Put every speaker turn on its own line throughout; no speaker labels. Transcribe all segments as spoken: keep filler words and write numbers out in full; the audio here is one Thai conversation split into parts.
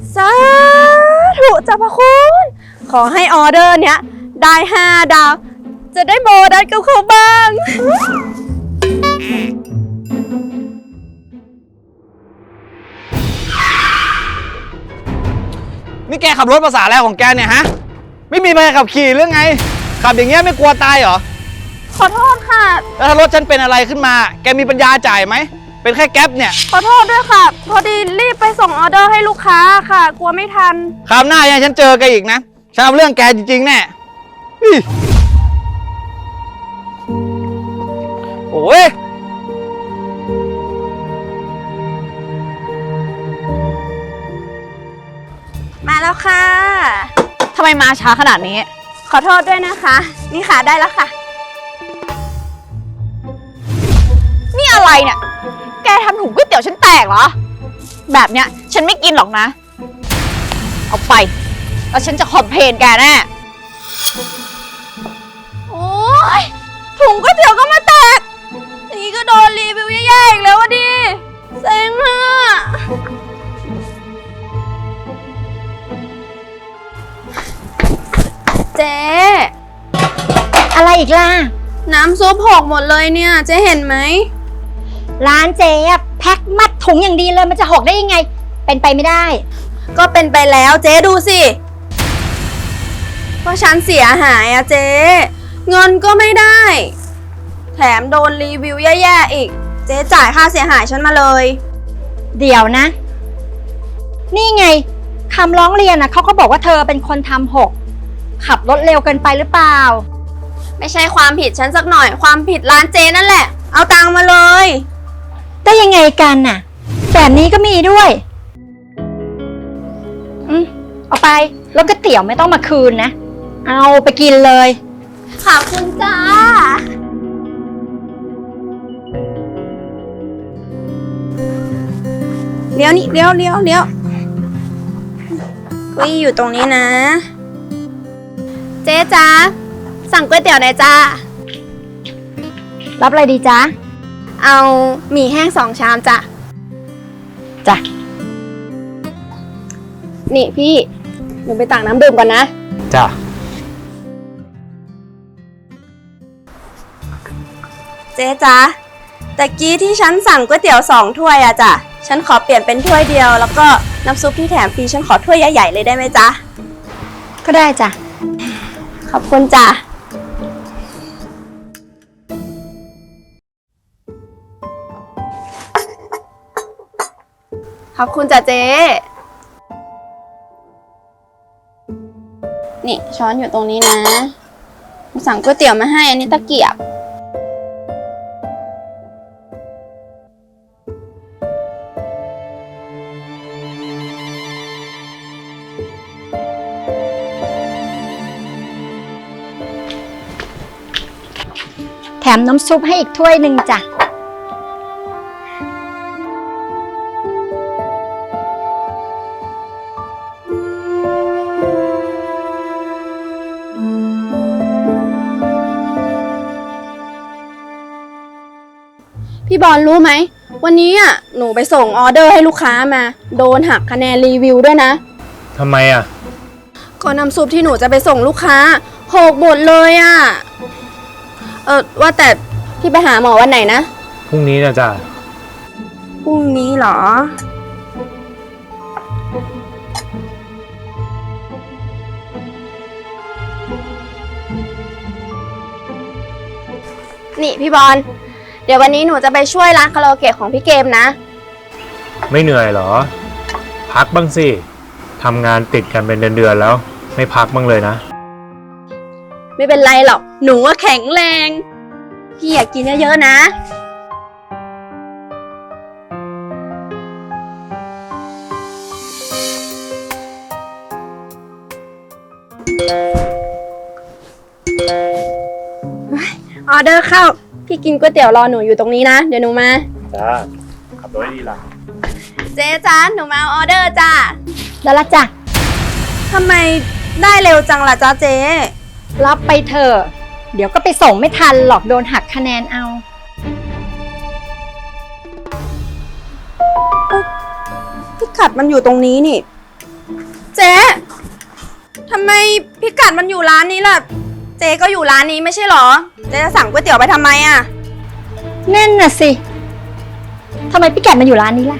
สาธุเจ้าพระคุณขอให้ออเดอร์เนี้ยได้ห้าดาวจะได้โบนัสกับเขาบ้าง
นี่แกขับรถภาษาอะไรของแกเนี่ยฮะไม่มีใบขับขี่หรือไงขับอย่างเงี้ยไม่กลัวตายเหรอ
ขอโทษค่ะ
แล้วถ้ารถฉันเป็นอะไรขึ้นมาแกมีปัญญาจ่ายไหมเป็นแค่แก๊ปเนี่ย
ขอโทษด้วยค่ะพอดีรีบไปส่งออเดอร์ให้ลูกค้าค่ะกลัวไม่ทัน
คราวหน้ายังฉันเจอแกอีกนะฉันเอาเรื่องแกจริงๆแน่โอ้ย
มาแล้วค่ะ
ทำไมมาช้าขนาดนี้
ขอโทษด้วยนะคะนี่ค่ะได้แล้วค่ะ
นี่อะไรเนี่ยแกทำถุงก๋วยเตี๋ยวฉันแตกเหรอแบบเนี้ยฉันไม่กินหรอกนะเอาไปแล้วฉันจะคอมเพลนแกแน่
โอ๊ยถุงก๋วยเตี๋ยวก็มาแตกนี่ก็โดนรีวิวแย่ๆอีกแล้ววะดิเซ็งอะเจ๊
อะไรอีกล่ะ
น้ำซุปหกหมดเลยเนี่ยเจ๊เห็นไหม
ร้านเจ๊แพ็คมัดถุงอย่างดีเลยมันจะหกได้ยังไงเป็นไปไม่ได้
ก็เป็นไปแล้วเจ๊ดูสิเพราะฉันเสียหายอะเจ๊เงินก็ไม่ได้แถมโดนรีวิวแย่ๆอีกเจ๊จ่ายค่าเสียหายฉันมาเลย
เดี๋ยวนะนี่ไงคำร้องเรียนนะเขาก็บอกว่าเธอเป็นคนทำหกขับรถเร็วเกินไปหรือเปล่า
ไม่ใช่ความผิดฉันสักหน่อยความผิดร้านเจ๊นั่นแหละเอาตังค์มาเลย
ได้ยังไงกันน่ะแบบนี้ก็มีด้วยอืมเอาไปแล้วก๋วยเตี๋ยวไม่ต้องมาคืนนะเอาไปกินเลย
ขอบคุณจ้าเลี้ยวนี่เลี้ยวเลี้ยวเลี้ยวกุ้ยอยู่ตรงนี้นะเจ๊จ้าสั่งก๋วยเตี๋ยวหน่อยจ้า
รับอะไรดีจ๊ะ
เอาหมี่แห้งสองชามจ้ะ
จ้ะ
นี่พี่หนูไปตักน้ำดื่มก่อนนะ
จ้ะ
เจ๊จ้าแต่กี้ที่ฉันสั่งก๋วยเตี๋ยวสองถ้วยอะจ้ะฉันขอเปลี่ยนเป็นถ้วยเดียวแล้วก็น้ำซุปที่แถมฟรีฉันขอถ้วยใหญ่ๆเลยได้ไหมจ๊ะ
ก็ได้จ้ะ
ขอบคุณจ้ะขอบคุณจ้ะเจ๊นี่ช้อนอยู่ตรงนี้นะสั่งก๋วยเตี๋ยวมาให้อันนี้ตะเกียบ
แถมน้ำซุปให้อีกถ้วยหนึ่งจ้ะ
พี่บอลรู้ไหมวันนี้อ่ะหนูไปส่งออเดอร์ให้ลูกค้ามาโดนหักคะแนนรีวิวด้วยนะ
ทำไมอ่ะ
ก็น้ำซุปที่หนูจะไปส่งลูกค้าหกหมดเลยอ่ะเออว่าแต่พี่ไปหาหมอวันไหนนะ
พรุ่งนี้นะจ๊ะ
พรุ่งนี้เหรอนี่พี่บอลเดี๋ยววันนี้หนูจะไปช่วยร้านคาราโอเกะของพี่เกมนะ
ไม่เหนื่อยเหรอพักบ้างสิทำงานติดกันเป็นเดือนๆแล้วไม่พักบ้างเลยนะ
ไม่เป็นไรหรอกหนูว่าแข็งแรงพี่อยากกินเยอะๆนะออเดอร์เข้าพี่กินก๋วยเตี๋ยวรอหนูอยู่ตรงนี้นะเดี๋ยวหนูมา
จ้าขับรถดีล่ะ
เจ๊จ้าหนูมาเอาออเดอร์จ้า
แล้วละจ้ะ
ทำไมได้เร็วจังล่ะจ้าเจ๊
รับไปเถอะเดี๋ยวก็ไปส่งไม่ทันหรอกโดนหักคะแนนเอา
พิกัดมันอยู่ตรงนี้นี่เจ๊ทำไมพิกัดมันอยู่ร้านนี้ล่ะ เจ๊ก็อยู่ร้านนี้ไม่ใช่หรอ เจ๊จะสั่งก๋วยเตี๋ยวไปทำไมอ่ะ
นั่นน่ะสิทำไมพี่แกดมาอยู่ร้านนี้ล่ะ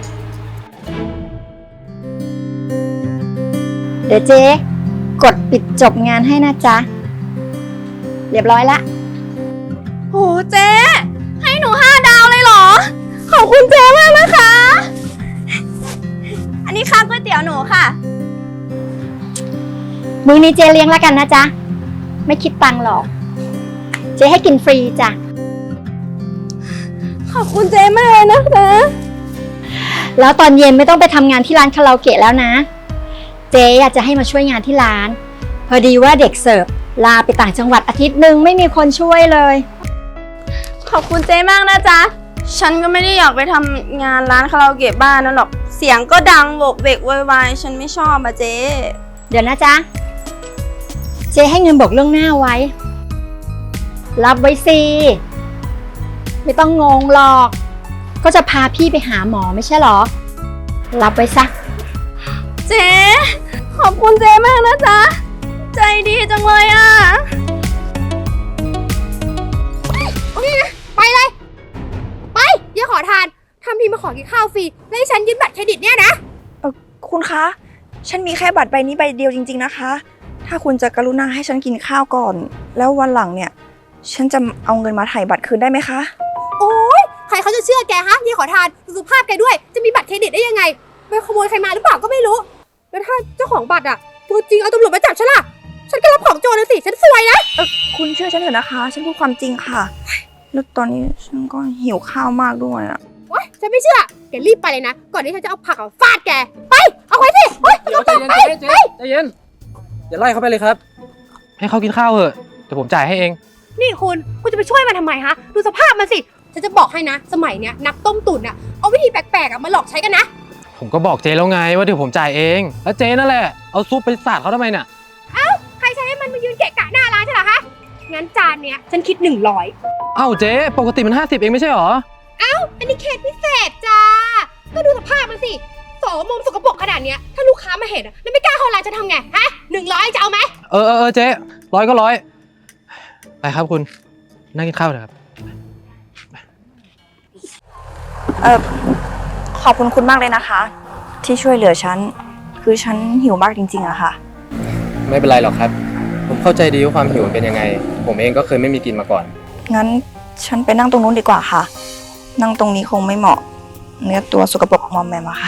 เดี๋ยวเจ๊กดปิดจบงานให้นะจ๊ะ เรียบร้อยละ
โหเจ๊ให้หนูห้าดาวเลยเหรอ ขอบคุณเจ๊มากนะคะ อันนี้ค่าก๋วยเตี๋ยวหนูค่ะ
มื้อนี้เจ๊เลี้ยงแล้วกันนะจ๊ะ ไม่คิดตังค์หรอก เจ๊ให้กินฟรีจ้ะ
ขอบคุณเจ๊มากเลยนะคะ
แล้วตอนเย็นไม่ต้องไปทำงานที่ร้านคาราโอเกะแล้วนะ เจ๊อยากจะให้มาช่วยงานที่ร้าน พอดีว่าเด็กเสิร์ฟลาไปต่างจังหวัดอาทิตย์หนึ่งไม่มีคนช่วยเลย
ขอบคุณเจ๊มากนะจ๊ะ ฉันก็ไม่ได้อยากไปทำงานร้านคาราโอเกะบ้านนั่นหรอก เสียงก็ดังโวกเวกโวยวายฉันไม่ชอบอะเจ๊
เดี๋ยวนะจ๊ะ เจ๊ให้เงินบอกเรื่องหน้าไว้ รับไว้สิ ไม่ต้องงงหรอก ก็จะพาพี่ไปหาหมอไม่ใช่หรอ รับไว้ซะ
เจ๊ขอบคุณเจ๊มากนะจ๊ะ ใจดีจังเลยอะ
ไปเลย ไปอย่าขอทานทำทีมาขอกินข้าวฟรีแล้วให้ฉันยืมบัตรเครดิตเนี่ยนะ
เออคุณคะ ฉันมีแค่บัตรใบนี้ใบเดียวจริงๆนะคะ ถ้าคุณจะกรุณาให้ฉันกินข้าวก่อน แล้ววันหลังเนี่ย ฉันจะเอาเงินมาถ่ายบัตรคืนได้ไหมคะ
โอ๊ยใครเขาจะเชื่อแกฮะอย่าขอทานดูสภาพแกด้วย จะมีบัตรเครดิตได้ยังไงไปขโมยใครมาหรือเปล่าก็ไม่รู้ แล้วถ้าเจ้าของบัตรอะตัวจริงเอาตำรวจมาจับฉันล่ะฉันก็รับของโจรนะสิฉันซวยนะ
เออคุณเชื่อฉันเถอะนะคะ ฉันพูดความจริงค่ะ แล้วตอนนี้ฉันก็หิวข้าวมากด้วยอะ
โอ๊ยฉันไม่เชื่อแกรีบไปเลยนะ ก่อนที่ฉันจะเอาผักอะฟาดแกไปเอาไว้สิโอ๊ย
เดี๋ยวใจเย็น
ไป
เจ๊เจ๊ใจเย็นอย่าไล่เขาไปเลยครับ ให้เขากินข้าวเถอะเดี๋ยวผมจ่ายให้เอง
นี่คุณคุณจะไปช่วยมันทำไมฮะดูสภาพมันสิฉันจะบอกให้นะ สมัยเนี้ยนักต้มตุ๋นอะเอาวิธีแปลกๆอะมาหลอกใช้กันนะ
ผมก็บอกเจ๊แล้วไงว่าเดี๋ยวผมจ่ายเอง แล้วเจ๊นั่นแหละเอาซุปไปสาดเขาทำไมเนี่ย
ใครใช้ให้มันมายืนเกะกะหน้าร้านใช่เหรอคะ งั้นจานเนี้ยฉันคิดหนึ่งร้อย
เอ้าเจ๊ปกติมันห้าสิบเองไม่ใช่หรอ
อันนี้เคสพิเศษจ้า ก็ดูสภาพมันสิสองมุมสกปรกขนาดเนี้ย ถ้าลูกค้ามาเห็นอะแล้วไม่กล้าเข้าร้านจะทำไง ฮะหนึ่งร้อยจะเอาไหม
เออเออเออเจ๊ร้อยก็ร้อยไปครับคุณนั่งกินข้าวเถอะครับ
เออขอบคุณคุณมากเลยนะคะ ที่ช่วยเหลือฉัน คือฉันหิวมากจริงๆอะค่ะ
ไม่เป็นไรหรอกครับ ผมเข้าใจดีว่าความหิวมันเป็นยังไง ผมเองก็เคยไม่มีกินมาก่อน
งั้นฉันไปนั่งตรงนู้นดีกว่าค่ะ นั่งตรงนี้คงไม่เหมาะ เนื้อตัวสกปรกมอมแมมอะค่ะ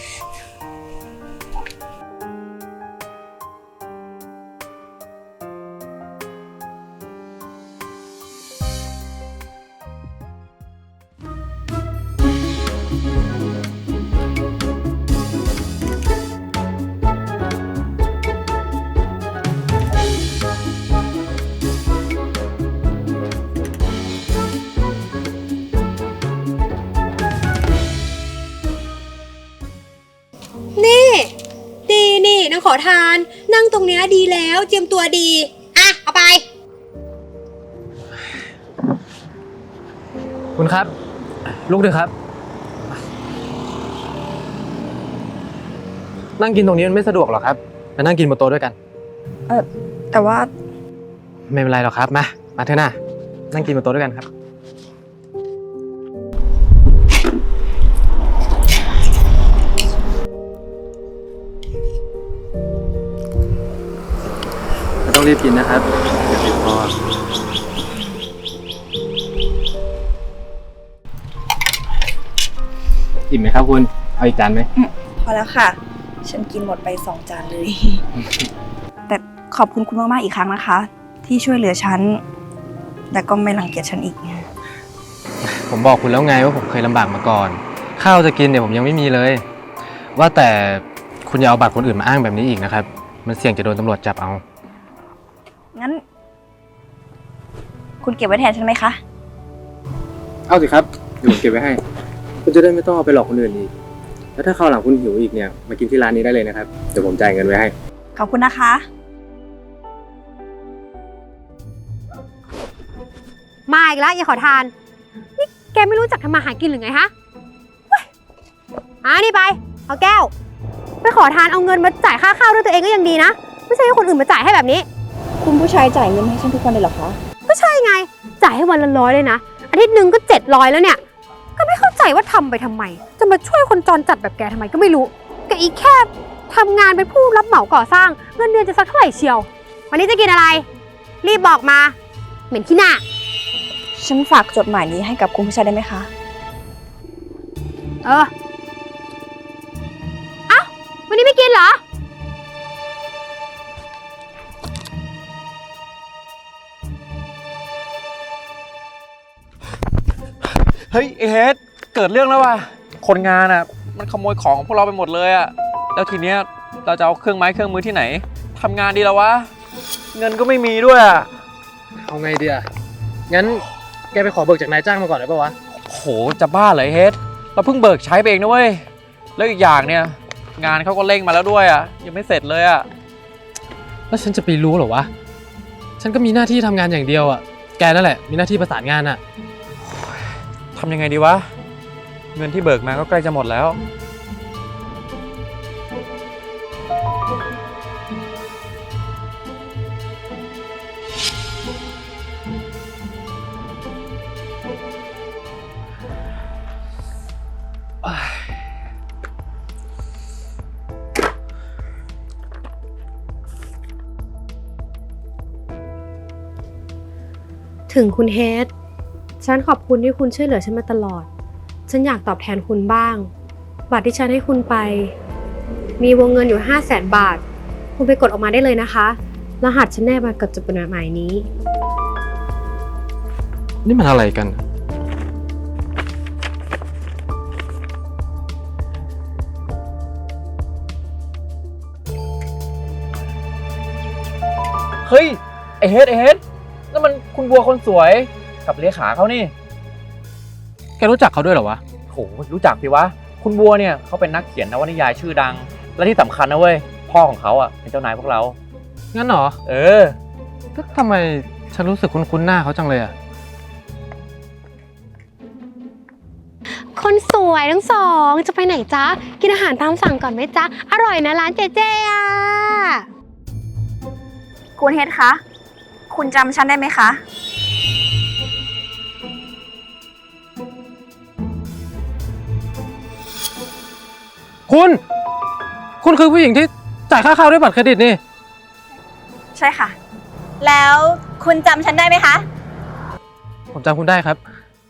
นี่ ดีนี่นางขอทาน นั่งตรงเนี้ยดีแล้วเจียมตัวดี อ่ะ เอาไป
คุณครับ ลูกเถอะครับ นั่งกินตรงนี้มันไม่สะดวกหรอกครับมานั่งกินบนโต๊ะด้วยกัน
เออแต่ว่า
ไม่เป็นไรหรอกครับมามาเถอะนะนั่งกินบนโต๊ะด้วยกันครับต้องรีบกินนะครับอย่าติดคออิ่มไหมครับคุณเอาอีกจานไหม
พอแล้วค่ะ ฉันกินหมดไปสองจานเลย แต่ขอบคุณคุณมากๆอีกครั้งนะคะ ที่ช่วยเหลือฉัน แต่ก็ไม่รังเกียจฉันอีก
ผมบอกคุณแล้วไงว่าผมเคยลำบากมาก่อน ข้าวจะกินเนี่ยผมยังไม่มีเลย ว่าแต่คุณอย่าเอาบัตรคนอื่นมาอ้างแบบนี้อีกนะครับ มันเสี่ยงจะโดนตำรวจจับเอา
งั้น คุณเก็บไว้แทนฉันไหมคะ
เอาสิครับเดี๋ยวผมเก็บไว้ให้ คุณจะได้ไม่ต้องเอาไปหลอกคนอื่นอีก แล้วถ้าคราวหลังคุณหิวอีกเนี่ยมากินที่ร้านนี้ได้เลยนะครับ เดี๋ยวผมจ่ายเงินไว้ให้
ขอบคุณนะคะ
มาอีกแล้วอย่าขอทาน นี่แกไม่รู้จักทำมาหากินหรือไงฮะเฮ้ยอ่านี่ไป เอาแก้วไปขอทานเอาเงินมาจ่ายค่าข้าวด้วยตัวเองก็ยังดีนะ ไม่ใช่ให้คนอื่นมาจ่ายให้แบบนี้
คุณผู้ชายจ่ายเงินให้ฉันทุกวันเลยเหรอคะ
ก็ใช่ไง จ่ายให้วันละร้อยเลยนะ อาทิตย์หนึ่งก็เจ็ดร้อยแล้วเนี่ย ก็ไม่เข้าใจว่าทำไปทำไม จะมาช่วยคนจรจัดแบบแกทำไมก็ไม่รู้แกอีกแค่ทำงานเป็นผู้รับเหมาก่อสร้าง เงินเดือนจะสักเท่าไหร่เชียว วันนี้จะกินอะไร รีบบอกมา เหม็นขี้หน้า
ฉันฝากจดหมายนี้ให้กับคุณผู้ชายได้ไหมคะ
เออ เอ้า วันนี้ไม่กินเหรอ
เฮ้ยไอเฮดเกิดเรื่องแล้วว่ะคนงานอ่ะมันขโมยของของพวกเราไปหมดเลยอ่ะแล้วทีเนี้ยเราจะเอาเครื่องไม้เครื่องมือที่ไหนทำงานดีแล้ววะเงินก็ไม่มีด้วยอ่ะ
เอาไงดีอะงั้นแกไปขอเบิกจากนายจ้างมาก่อนได้ปะวะ
โหจะบ้าเหรอไอเฮดเราเพิ่งเบิกใช้ไปเองนะเว้ยแล้วอีกอย่างเนี่ยงานเขาก็เร่งมาแล้วด้วยอ่ะยังไม่เสร็จเลยอ่ะ
แล้วฉันจะไปรู้เหรอวะ ฉันก็มีหน้าที่ทำงานอย่างเดียวอะแกนั่นแหละมีหน้าที่ประสานงานอะ
ทำยังไงดีวะเงินที่เบิกมาก็ใกล้จะหมดแล้ว
ถึงคุณเฮดฉันขอบคุณที่คุณช่วยเหลือฉันมาตลอด ฉันอยากตอบแทนคุณบ้าง บัตรที่ฉันให้คุณไป มีวงเงินอยู่ห้าแสนบาท คุณไปกดออกมาได้เลยนะคะ รหัสฉันแนบมากับจดหมายนี้
นี่มันอะไรกัน
เฮ้ยไอเฮดไอเฮดนั่นมันคุณบัวคนสวยกับเลขาเขานี่
แกรู้จักเขาด้วยเหรอวะ
โหรู้จักสิวะคุณบัวเนี่ยเขาเป็นนักเขียนนวนิยายชื่อดัง และที่สำคัญนะเว้ยพ่อของเขาอ่ะเป็นเจ้านายพวกเรา
งั้นเหรอ
เออ
ก็ทำไมฉันรู้สึกคุ้นๆหน้าเขาจังเลยอะ
คนสวยทั้งสองจะไปไหนจ๊ะ กินอาหารตามสั่งก่อนไหมจ๊ะ อร่อยนะร้านเจเจอ่ะ
คุณเฮดคะ คุณจำฉันได้ไหมคะ
คุณ คุณคือผู้หญิงที่จ่ายค่าข้าวด้วยบัตรเครดิตนี่
ใช่ค่ะ
แล้วคุณจำฉันได้ไหมคะ
ผมจำคุณได้ครับ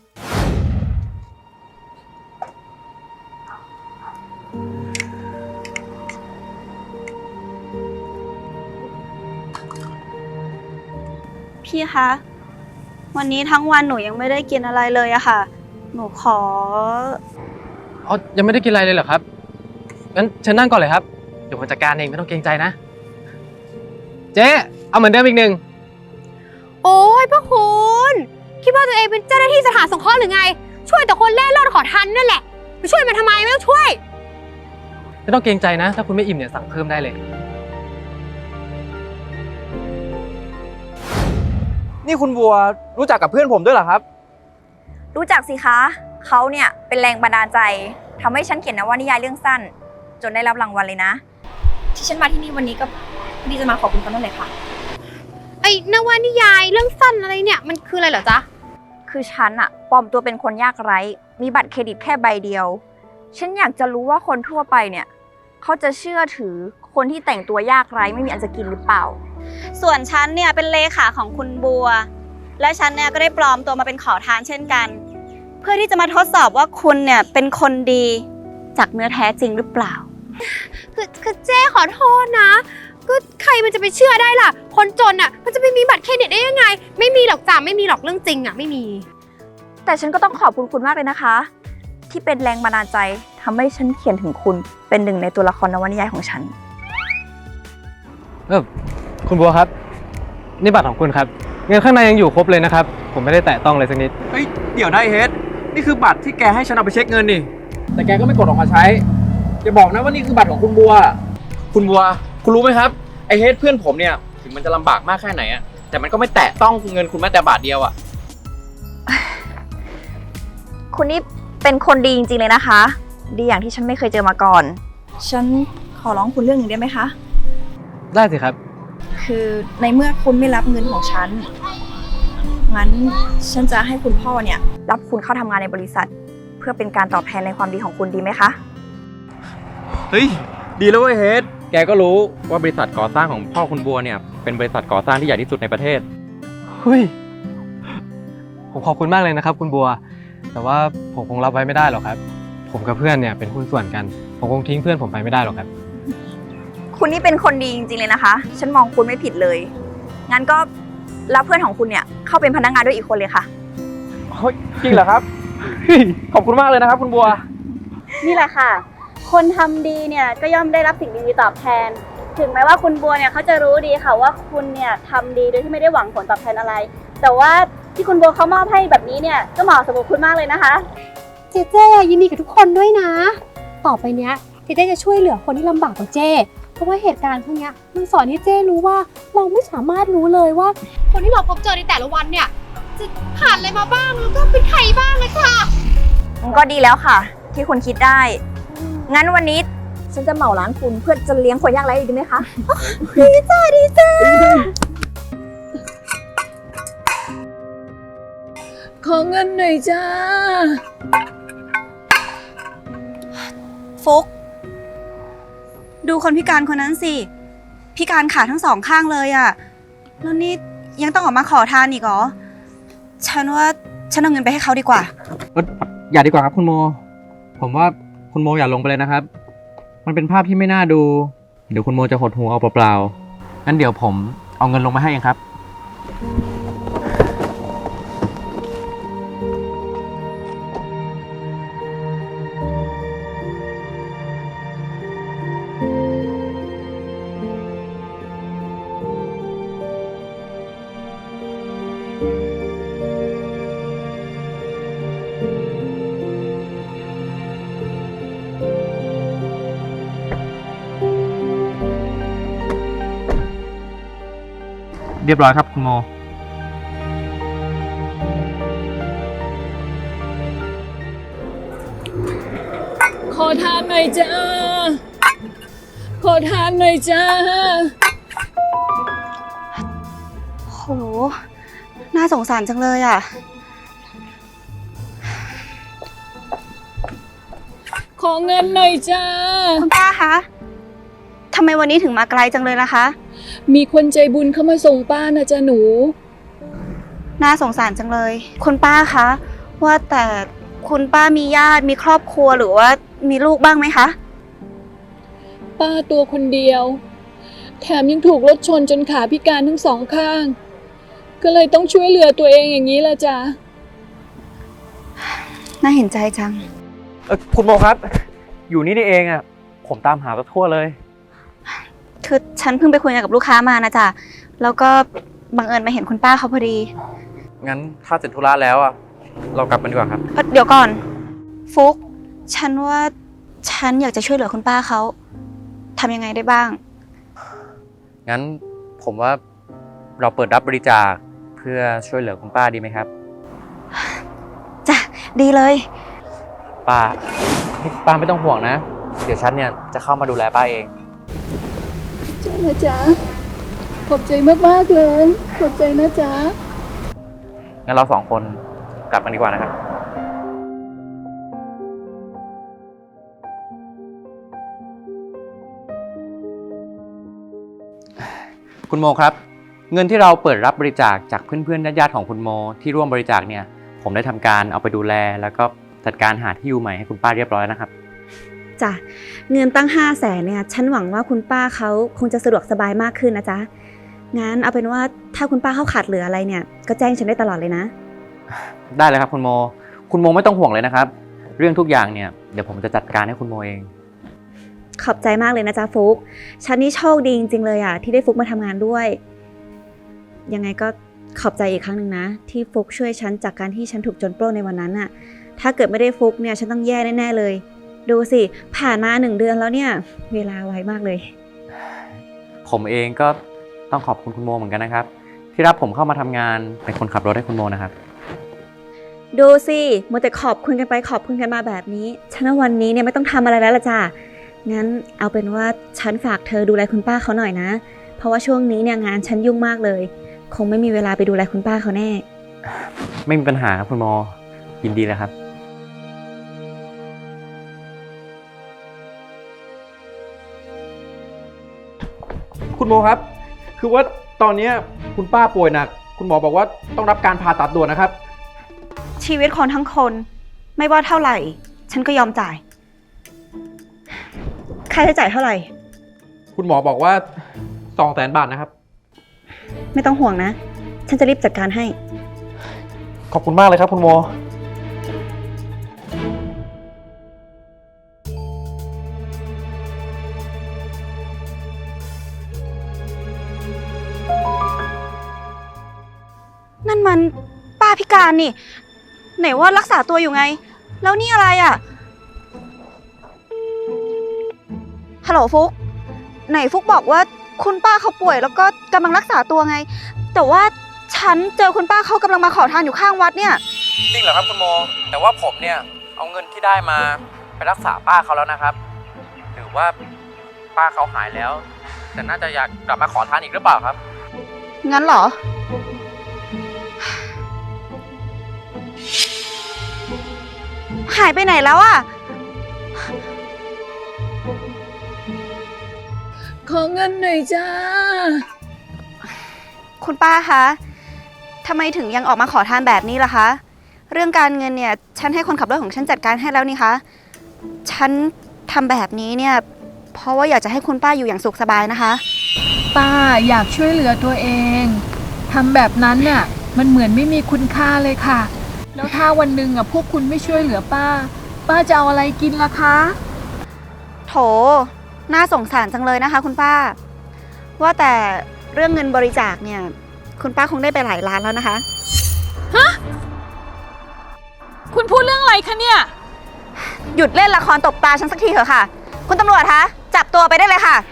พี่คะ วันนี้ทั้งวันหนูยังไม่ได้กินอะไรเลยอะค่ะ หนูขอ
อ๋อ ยังไม่ได้กินอะไรเลยเหรอครับ งั้นเชิญนั่งก่อนเลยครับ เดี๋ยวผมจัดการเองไม่ต้องเกรงใจนะ เจ๊เอาเหมือนเดิมอีกหนึ่ง
โอ้ยพระคุณคิดว่าตัวเองเป็นเจ้าหน้าที่สถานสงเคราะห์หรือไง ช่วยแต่คนเล่ร่อนขอทานนั่นแหละ ไปช่วยมันทำไมไม่ต้องช่วย
ไม่ต้องเกรงใจนะ ถ้าคุณไม่อิ่มเนี่ยสั่งเพิ่มได้เลย
นี่คุณบัวรู้จักกับเพื่อนผมด้วยเหรอครับ
รู้จักสิคะ เขาเนี่ยเป็นแรงบันดาลใจทำให้ฉันเขียนนวนิยายเรื่องสั้น จนได้รับรางวัลเลยนะ ที่ฉันมาที่นี่วันนี้ก็พอดีจะมาขอบคุณเขานั่นแหละค่ะ
ไอ้นวนิยายเรื่องสั้นอะไรเนี่ยมันคืออะไรเหรอจ๊ะ
คือฉันอะปลอมตัวเป็นคนยากไร้ มีบัตรเครดิตแค่ใบเดียว ฉันอยากจะรู้ว่าคนทั่วไปเนี่ยเขาจะเชื่อถือคนที่แต่งตัวยากไร้ไม่มีอันจะกินหรือเปล่า
ส่วนฉันเนี่ยเป็นเลขาของคุณบัว และฉันเนี่ยก็ได้ปลอมตัวมาเป็นขอทานเช่นกัน เพื่อที่จะมาทดสอบว่าคุณเนี่ยเป็นคนดีจากเนื้อแท้จริงหรือเปล่า
คือคือเจ้ขอโทษนะ ก็ใครมันจะไปเชื่อได้ล่ะ คนจนอ่ะมันจะไปมีบัตรเครดิตได้ยังไง ไม่มีหรอกจ้ะไม่มีหรอกเรื่องจริงอ่ะไม่มี
แต่ฉันก็ต้องขอบคุณคุณมากเลยนะคะ ที่เป็นแรงบันดาลใจทำให้ฉันเขียนถึงคุณเป็นหนึ่งในตัวละครนวนิยายของฉัน
เออคุณบัวครับ นี่บัตรของคุณครับ เงินข้างในยังอยู่ครบเลยนะครับ ผมไม่ได้แตะต้องเลยสักนิด
เฮ้ยเดี๋ยวนะไอเฮดนี่คือบัตรที่แกให้ฉันเอาไปเช็คเงินนี่แต่แกก็ไม่กดออกมาใช้อย่าบอกนะว่านี่คือบัตรของคุณบัว คุณบัวคุณรู้ไหมครับไอเฮดเพื่อนผมเนี่ยถึงมันจะลำบากมากแค่ไหนอะแต่มันก็ไม่แตะต้องเงินคุณแม้แต่บาทเดียวอะ
คุณนี่เป็นคนดีจริงๆเลยนะคะ ดีอย่างที่ฉันไม่เคยเจอมาก่อน ฉันขอร้องคุณเรื่องหนึ่งได้ไหมคะ
ได้สิครับ
คือในเมื่อคุณไม่รับเงินของฉัน งั้นฉันจะให้คุณพ่อเนี่ยรับคุณเข้าทำงานในบริษัท เพื่อเป็นการตอบแทนในความดีของคุณดีไหมคะ
เฮ้ย ดีแล้วเว้ยเฮดแกก็รู้ว่าบริษัทก่อสร้างของพ่อคุณบัวเนี่ยเป็นบริษัทก่อสร้างที่ใหญ่ที่สุดในประเทศ
เฮ้ย ผมขอบคุณมากเลยนะครับ คุณบัว แต่ว่าผมคงรับไว้ไม่ได้หรอกครับ ผมกับเพื่อนเนี่ยเป็นหุ้นส่วนกัน ผมคงทิ้งเพื่อนผมไปไม่ได้หรอกครับ
คุณนี่เป็นคนดีจริงๆเลยนะคะ ฉันมองคุณไม่ผิดเลย งั้นก็รับเพื่อนของคุณเนี่ยเข้าเป็นพนักงานด้วยอีกคนเลยค่ะ
เฮ้ย จริงเหรอครับ ขอบคุณมากเลยนะครับคุณบัว
นี่แหละค่ะ คนทำดีเนี่ยก็ย่อมได้รับสิ่งดีๆตอบแทน ถึงแม้ว่าคุณบัวเนี่ยเขาจะรู้ดีค่ะว่าคุณเนี่ยทำดีโดยที่ไม่ได้หวังผลตอบแทนอะไร แต่ว่าที่คุณบัวเขามอบให้แบบนี้เนี่ยก็เหมาะสมกับคุณมากเลยนะคะ
เจเจยินดีกับทุกคนด้วยนะ ต่อไปเนี้ยเจเจจะช่วยเหลือคนที่ลำบากกว่าเจเพราะว่าเหตุการณ์พวกเนี้ยมันสอนให้เจรู้ว่าเราไม่สามารถรู้เลยว่า คนที่เราพบเจอในแต่ละวันเนี่ยจะผ่านอะไรมาบ้างแล้วก็เป็นใครบ้างเลยค่ะ
ก็ดีแล้วค่ะ ที่คุณคิดได้ งั้นวันนี้ฉันจะเหมาร้านคุณเพื่อจะเลี้ยงคนยากไร้ดีไหมคะ
ดีจ้าดีจ้า
ขอเงินหน่อยจ้า
ฟุก ดูคนพิการคนนั้นสิ พิการขาทั้งสองข้างเลยอะแล้วนี่ยังต้องออกมาขอทานอีกเหรอ ฉันว่าฉันเอาเงินไปให้เขาดีกว่า
อย่าดีกว่าครับคุณโม ผมว่าคุณโมอย่าลงไปเลยนะครับ มันเป็นภาพที่ไม่น่าดู เดี๋ยวคุณโมจะหดหูเอาเปล่าๆ งั้นเดี๋ยวผมเอาเงินลงมาให้เองครับ เรียบร้อยครับคุณโม
ขอทานหน่อยจ้า ขอทานหน่อยจ้า
โห น่าสงสารจังเลยอะ
ขอเงินหน่อยจ้า
คุณป้าคะทำไมวันนี้ถึงมาไกลจังเลยล่ะคะ
มีคนใจบุญเข้ามาส่งป้านะจ๊ะหนู
น่าสงสารจังเลย คุณป้าคะ ว่าแต่คุณป้ามีญาติมีครอบครัวหรือว่ามีลูกบ้างไหมคะ
ป้าตัวคนเดียว แถมยังถูกรถชนจนขาพิการทั้งสองข้าง ก็เลยต้องช่วยเหลือตัวเองอย่างนี้ละจ้ะ
น่าเห็นใจจัง
เออคุณโมครับ อยู่นี่นี่เองอ่ะ ผมตามหาตัวทั่วเลย
คือฉันเพิ่งไปคุยงานกับลูกค้ามานะจ๊ะ แล้วก็บังเอิญมาเห็นคุณป้าเขาพอดี
งั้นถ้าเสร็จธุระแล้วอ่ะ เรากลับกันดีกว่าครับ
เอ่อเดี๋ยวก่อน ฟุก ฉันว่าฉันอยากจะช่วยเหลือคุณป้าเขาทำยังไงได้บ้าง
งั้นผมว่าเราเปิดรับบริจาคเพื่อช่วยเหลือคุณป้าดีไหมครับ
จ้ะ ดีเลย
ป้าป้าไม่ต้องห่วงนะ เดี๋ยวฉันเนี่ยจะเข้ามาดูแลป้าเอง
จ้านะจ๊ะ ขอบใจมากๆเลย ขอบใจนะจ๊ะ
งั้นเราสองคนกลับกันดีกว่านะครับ คุณโมครับ เงินที่เราเปิดรับบริจาคจากเพื่อนๆญาติๆของคุณโมที่ร่วมบริจาคเนี่ยผมได้ทำการเอาไปดูแลแล้วก็จัดการหาที่อยู่ใหม่ให้คุณป้าเรียบร้อยนะครับ
จ้ะ เงินตั้งห้าแสนเนี่ย ฉันหวังว่าคุณป้าเขาคงจะสะดวกสบายมากขึ้นนะจ๊ะ งั้นเอาเป็นว่าถ้าคุณป้าเขาขาดเหลืออะไรเนี่ย ก็แจ้งฉันได้ตลอดเลยนะ
ได้เลยครับคุณโม คุณโมไม่ต้องห่วงเลยนะครับ เรื่องทุกอย่างเนี่ยเดี๋ยวผมจะจัดการให้คุณโมเอง
ขอบใจมากเลยนะจ๊ะฟุก ฉันนี่โชคดีจริงๆเลยอ่ะที่ได้ฟุกมาทำงานด้วย ยังไงก็ขอบใจอีกครั้งหนึ่งนะ ที่ฟุกช่วยฉันจากการที่ฉันถูกโจรปล้นในวันนั้นน่ะ ถ้าเกิดไม่ได้ฟุกเนี่ยฉันต้องแย่แน่ๆเลย ดูสิผ่านมาหนึ่งเดือนแล้วเนี่ยเวลาไวมากเลย
ผมเองก็ต้องขอบคุณคุณโมเหมือนกันนะครับ ที่รับผมเข้ามาทำงานเป็นคนขับรถให้คุณโมนะครับ
ดูสิมัวแต่ขอบคุณกันไปขอบคุณกันมาแบบนี้ ฉันว่าวันนี้เนี่ยไม่ต้องทำอะไรแล้วล่ะจ้ะงั้นเอาเป็นว่าฉันฝากเธอดูแลคุณป้าเขาหน่อยนะ เพราะว่าช่วงนี้เนี่ยงานฉันยุ่งมากเลย คงไม่มีเวลาไปดูแลคุณป้าเขาแน่
ไม่มีปัญหาครับคุณโมยินดีเลยครับ คุณโมครับ คือว่าตอนนี้คุณป้าป่วยหนัก คุณหมอบอกว่าต้องรับการผ่าตัดด่วนนะครับ
ชีวิตคนทั้งคนไม่ว่าเท่าไหร่ ฉันก็ยอมจ่าย ค่าใช้จ่ายเท่าไหร่
คุณหมอบอกว่าสองแสนบาทนะครับ
ไม่ต้องห่วงนะ ฉันจะรีบจัดการให้
ขอบคุณมากเลยครับคุณโม
นั่นมันป้าพิการนี่ ไหนว่ารักษาตัวอยู่ไง แล้วนี่อะไรอ่ะ ฮัลโหลฟุก ไหนฟุกบอกว่าคุณป้าเขาป่วยแล้วก็กำลังรักษาตัวไง แต่ว่าฉันเจอคุณป้าเขากำลังมาขอทานอยู่ข้างวัดเนี่ย
จริงเหรอครับคุณโม แต่ว่าผมเนี่ยเอาเงินที่ได้มาไปรักษาป้าเขาแล้วนะครับ หรือว่าป้าเขาหายแล้ว แต่น่าจะอยากกลับมาขอทานอีกหรือเปล่าครับ
งั้นเหรอ หายไปไหนแล้วอ่ะ
ขอเงินหน่อยจ้า
คุณป้าคะทำไมถึงยังออกมาขอทานแบบนี้ล่ะคะ เรื่องการเงินเนี่ย ฉันให้คนขับรถของฉันจัดการให้แล้วนี่คะ ฉันทำแบบนี้เนี่ย เพราะว่าอยากจะให้คุณป้าอยู่อย่างสุขสบายนะคะ
ป้าอยากช่วยเหลือตัวเองทำแบบนั้นน่ะมันเหมือนไม่มีคุณค่าเลยค่ะ แล้วถ้าวันหนึ่งอ่ะพวกคุณไม่ช่วยเหลือป้า ป้าจะเอาอะไรกินล่ะคะ
โถ น่าสงสารจังเลยนะคะ คุณป้า ว่าแต่เรื่องเงินบริจาคเนี่ย คุณป้าคงได้ไปหลายล้านแล้วนะคะ
คุณพูดเรื่องอะไรคะเนี่ย
หยุดเล่นละครตบตาฉันสักทีเถอะค่ะ คุณตำรวจคะจับตัวไปได้เลยค่ะ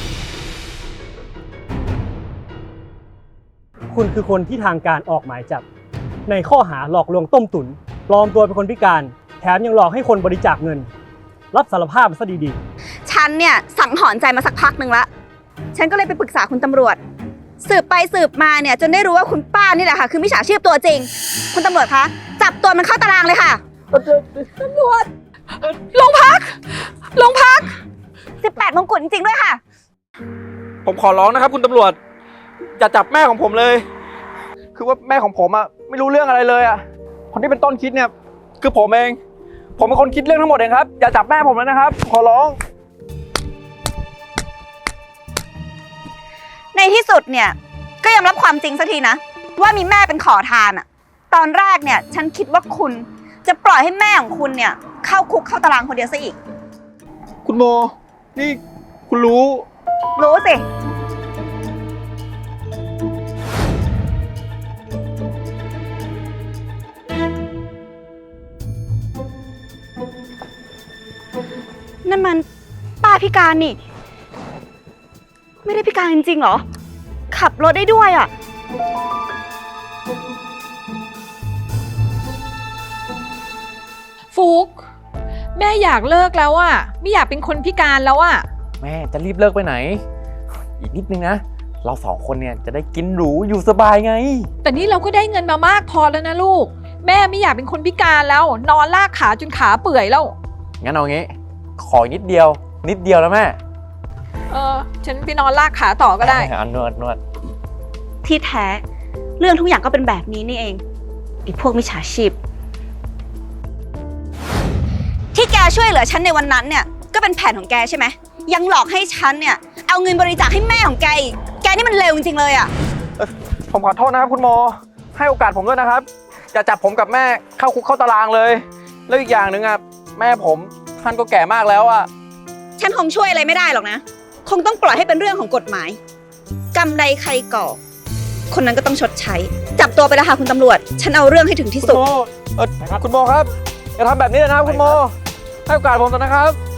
คุณคือคนที่ทางการออกหมายจับ ในข้อหาหลอกลวงต้มตุ๋นปลอมตัวเป็นคนพิการ แถมยังหลอกให้คนบริจาคเงิน รับสารภาพมาซะดี
ฉันเนี่ยสังหรณ์ใจมาสักพักหนึ่งละ ฉันก็เลยไปปรึกษาคุณตำรวจ สืบไปสืบมาเนี่ยจนได้รู้ว่าคุณป้านี่แหละค่ะคือมิจฉาชีพตัวจริง คุณตำรวจคะจับตัวมันเข้าตารางเลยค่ะ ตำรวจโรงพักโรงพักสิบแปดมงกุฎจริงๆด้วยค่ะ
ผมขอร้องนะครับคุณตำรวจ อย่าจับแม่ของผมเลย คือว่าแม่ของผมอะไม่รู้เรื่องอะไรเลยอะคนที่เป็นต้นคิดเนี่ยคือผมเอง ผมเป็นคนคิดเรื่องทั้งหมดเองครับ อย่าจับแม่ผมเลยนะครับ ขอร้อง
ในที่สุดเนี่ยก็ยอมรับความจริงสักทีนะ ว่ามีแม่เป็นขอทานอะตอนแรกเนี่ยฉันคิดว่าคุณจะปล่อยให้แม่ของคุณเนี่ยเข้าคุกเข้าตารางคนเดียวซะอีก
คุณโม นี่คุณรู้
รู้สิ นั่นมันป้าพิการนี่ ไม่ได้พิการจริงๆเหรอ ขับรถได้ด้วยอ่ะ
ฟุก แม่อยากเลิกแล้วอ่ะไม่อยากเป็นคนพิการแล้วอ่ะ
แม่จะรีบเลิกไปไหน อีกนิดนึงนะ เราสองคนเนี่ยจะได้กินหรูอยู่สบายไง
แต่นี่เราก็ได้เงินมามากพอแล้วนะลูก แม่ไม่อยากเป็นคนพิการแล้ว นอนลากขาจนขาเปื่อยแล้ว
งั้นเอางี้ ขออีกนิดเดียว นิดเดียวแล้วแม่
เออฉันไปนอนลากขาต่อก็ได้
อันนวดนวด
ที่แท้เรื่องทุกอย่างก็เป็นแบบนี้นี่เองไอ้พวกมิจฉาชีพ ที่แกช่วยเหลือฉันในวันนั้นเนี่ยก็เป็นแผนของแกใช่ไหมยังหลอกให้ฉันเนี่ยเอาเงินบริจาคให้แม่ของแกอีกแกนี่มันเลวจริงๆเลยอ่ะ
ผมขอโทษนะครับคุณโม ให้โอกาสผมด้วยนะครับ อย่าจับผมกับแม่เข้าคุกเข้าตารางเลย แล้วอีกอย่างหนึ่งอ่ะแม่ผมท่านก็แก่มากแล้วอ่ะ
ฉันคงช่วยอะไรไม่ได้หรอกนะ คงต้องปล่อยให้เป็นเรื่องของกฎหมายกรรมใดใครก่อคนนั้นก็ต้องชดใช้ จับตัวไปแล้วค่ะคุณตำรวจ ฉันเอาเรื่องให้ถึงที่
คุ
สุ
ณ
ด
โม เออคุณโมครับ อย่าทำแบบนี้เลยนะครับคุณโม ให้โอกาสผมเถอะนะครับ